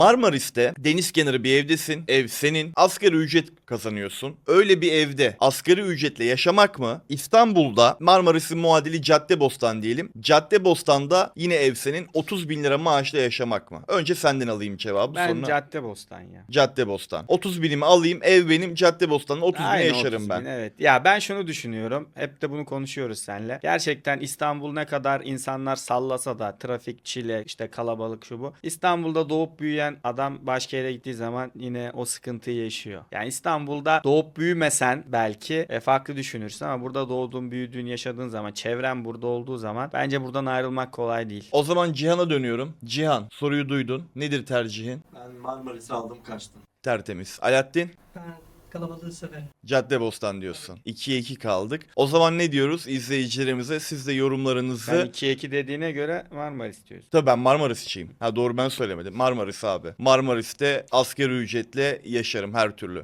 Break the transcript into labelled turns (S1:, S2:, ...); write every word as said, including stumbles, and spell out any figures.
S1: Marmaris'te deniz kenarı bir evdesin. Ev senin. Asgari ücret kazanıyorsun. Öyle bir evde asgari ücretle yaşamak mı? İstanbul'da Marmaris'in muadili Caddebostan diyelim. Caddebostan'da yine ev senin. otuz bin lira maaşla yaşamak mı? Önce senden alayım cevabı.
S2: Ben
S1: sonra
S2: Caddebostan ya.
S1: Caddebostan. otuz binimi alayım, ev benim, Caddebostan'da otuz bine
S2: Aynı
S1: yaşarım
S2: otuz
S1: ben.
S2: bin, evet. Ya ben şunu düşünüyorum. Hep de bunu konuşuyoruz seninle. Gerçekten İstanbul ne kadar insanlar sallasa da trafik, çile, işte kalabalık şu bu. İstanbul'da doğup büyüyen adam başka yere gittiği zaman yine o sıkıntıyı yaşıyor. Yani İstanbul'da doğup büyümesen belki e, farklı düşünürsün ama burada doğduğun, büyüdüğün, yaşadığın zaman, çevren burada olduğu zaman bence buradan ayrılmak kolay değil.
S1: O zaman Cihan'a dönüyorum. Cihan, soruyu duydun. Nedir tercihin?
S3: Ben Marmaris'i aldım kaçtım.
S1: Tertemiz. Alaaddin?
S4: Ben kalabalığı severim.
S1: Caddebostan diyorsun. ikiye iki kaldık. O zaman ne diyoruz izleyicilerimize? Siz de yorumlarınızı...
S2: Sen ikiye iki dediğine göre Marmaris diyorsun.
S1: Tabii ben Marmarisçiyim. Ha doğru ben söylemedim. Marmaris abi. Marmaris'te asgari ücretle yaşarım her türlü.